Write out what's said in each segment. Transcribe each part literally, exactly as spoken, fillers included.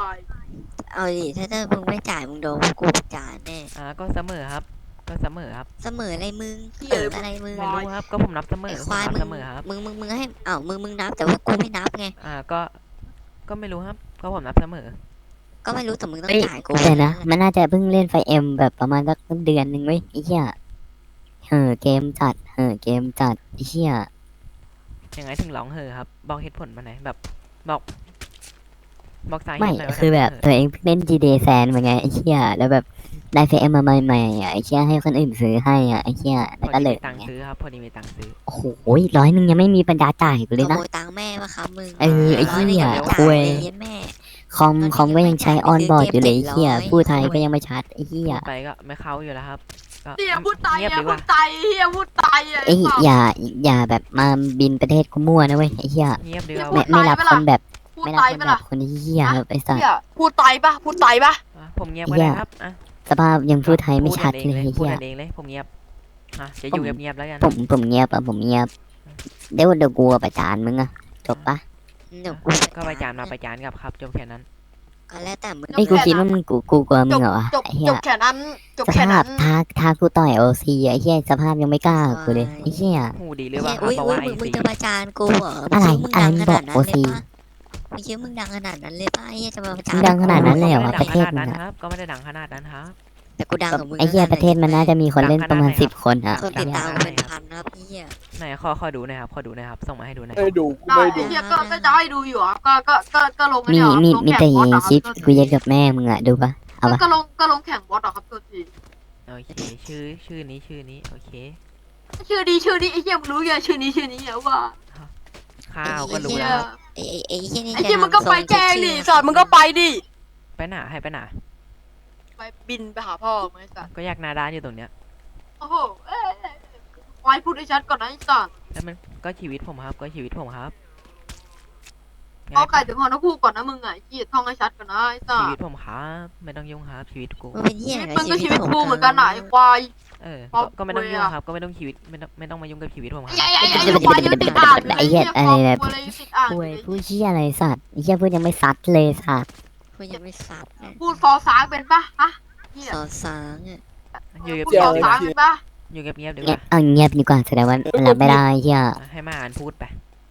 ายเอาดิถ้าถ้ามึงไม่จ่ายมึงโดนพวกกูจ่ายแน่อ่าก็เสมอครับก็เสมอครับเสมออะไรมึงเหี้เอย อมึอะงไรมึงไม่รู้ครับก็ผมนับเสมอไอ้คผมวายนับมึเสงมอครับมึงมึงมึงให้เอ้ามึงมึงนับแต่ว่ากูไม่นับไงอ่าก็ก็ไม่รู้ครับก็ผมนับเสมอก็ไม่รู้แต่มึงต้องเอ้ยจ่ายกูแต่นะแค่มันน่าจะเพิ่งเล่นไฟเอ็มแบบประมาณสักเดือนหนึ่งเว้ยไอ้เหี้ยเห่อเกมจัดเห่อเกมจัดไอ้เหี้ยยังไงถึงร้องเห่อครับบอกเหตุผลมาหน่อยแบบบอกบอกสาเหไม่ตุหน่อยว่าคือแบบทำไมตัวเองเพิ่งเล่น จี ดี เอ แซนมาไงไอ้เหี้ยแล้วแบบได้ไฟเอ็มมาใหม่ๆอ่ะไอ้เหี้ยให้คนอื่นซื้อให้อ่ะไอ้เหี้ยพแล้วอก็ดีเลมียตังค์ไงซื้อครับพอดีมีตังค์ซื้อโอ้โหร้อยหนึ่งยังไม่มีปัญญาจ่ายกูเลยขนะโมยตังค์แม่มาครับมึงเออไอ้เหี้ยร้นงงไม่จ่าคุยเลยเย็นแม่คอมคอมก็ยังใช้ออนบอร์ดอยู่เลยไอ้เหี้ยเกมเจ็ดร้อยพูดไทยก็ยังไม่ชัดไอ้เหี้ยพูดไปก็ไม่เข้าอยู่แล้วครับก็เฮียพูดตายเงียบเฮียดีกพูว่าดตายเฮียพูดตายไอ้เอ้ยสัสอย่าอย่าแบบมาบินประเทศกูมั่วนะเว้ยไอ้เหี้ยเงียบดีกพูว่าดไม่ไม่รับตายปะคล่ะนแบบพูดไม่รับตายคนปะแบล่ะบคนเหี้ยครับไอ้สัสเฮียพูดตายปะพูดตายปะอ่ะผมเงียบก็เหี้ได้ยครับอ่ะสภาพยังพูดไทยไม่ชัดพูเลยเองไอ้พูดเหี้ยกันเองเลยผมเงียบอ่ะจะอยู่ผมเงียบๆแล้วกันผมผมเงียบอะผมเงียบเดี๋ยวเดี๋ยวกูเอาประจานมึงอะจบปะเดี๋ยวกูก็ไปจานมาไปจานกลับครับจบแค่นั้นก็แล้วแต่มึงไอ้ยกูคิดว่ามึงกูกูกลัวจมึงบเหรอวะจบไอ้เหี้จยบแค่นั้นจบสแค่ภานั้พนท้าท้ากูต่อยโอซีไอ้เหี้ยสภาพยังไม่กล้ากูเลยไอ้เหี้ยหูดีหรือเปเฮ้ล่าย ครับอุ้ยบอก ว่าไอซีอุ้ยมึงมึงจะประจานกูเหรออะไรมึงอะไรดังมึขงบนาอกดนั้นโอเลยซีปะมึงคิดว่ามึงดังขนาดนั้นเลยปะไอ้เหี้ยจะมาประจานมึงดังขนาดนั้นเลยเหรอวะก็ประเทศไม่มึได้งดังขนาดนั้นอะครับก็ไม่ได้ดังขนาดนั้นครับแต่กูดังกับมึงไอ้เหี้ยประเทศมันน่าจะมีคนเล่นประมาณสิบคนอะคนติดตามดังขนาดไหนเป็นพันนะครับไอ้เหี้ยไหนขอขอดูหน่อยครับขอดูหน่อยครับส่งมาให้ดูหน่อยไม่ดูกูได้ไม่ไอ้ดูเฮียก็ก็จะให้ดูอยู่อ่ะก็ก็ก็ก็ลงมีเนี่ยมีลงมีแข่แต่งบอสคลิปอะกูเย็ดกับแม่มึงอะดูปะเอาปะก็ลงก็ลงแข่งบอสอะครับตัวทีโอเคชื่อชื่อนี้ชื่อนี้โอเคชื่อดีชื่อนี้ไอ้เฮียมึงรู้ไงชื่อนี้ชื่อนี้เหรอว่าข้าวก็รู้เฮียแล้วครับไอ้ไอ้ไอ้เหี้ยนี่ไอ้เฮียมึงก็ไปแจ้งดิสัตว์มึงก็ไปดิไปหนาให้ไปหนาไปบินไปหาพ่อมึงไอ้สัตว์ก็อยากหนาด้านอยู่ตรงเนี้ยโอ้โหเอ้ยเอ้ยเอ้ยไว้พูดให้ชัดก่อนนะไอ้สัตว์แล้วมันก็ชีวิตผมครับก็ชีวิตผมครับเอาไก่ถึงหอนกคู่ก่อนนะมึงอ่ะไอ้เฮียท่องให้ชัดก่อนนะไอ้สัชีตวิตว์ผมครับไม่ต้องยุ่งครับชีวิตกูมันเป็นเหี้ยชีอะไรวิตมึงก็ชีวิตผมกูเหมือนกันนะไอ้ควายเออครอบก็ไม่ต้องครัวยุ่งอะครับก็ไม่ต้องชีวิตไม่ต้องไม่ต้องมายุ่งกับชีวิตผมครับไอ้ไอ้ไอ้ไอ้ควายยังติดอ่างอยู่เลยไอ้เหี้ยอะไรแบบครอบครัวอะไรติดอ่างอคุยู่ยเลยพูดเชี่ยอะไรสัตว์ไอ้เหี้ยพูดยังไม่ซัดเลยสัตว์กูยังไม่สับเลยพูดฟอสางเป็นปะฮะเฮียสอสางอ่ะอยู่พูดเงียฟบอๆดีกสาว่างเป็นปะอยู่เงียบๆดีกเงียบว่าเอาเงียบดีกว่าแสดงว่ามันรับไม่ได้ไอ้เหี้ยให้มาอ่านพูดไป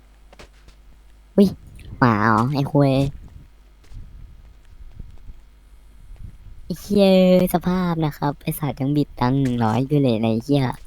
หมาอ๋อไอ้คุยไอ้เหี้ยสภาพนะครับไอ้สัตว์ยังบิดตังหนึ่งร้อยอยู่เลยในไอ้เหี้ย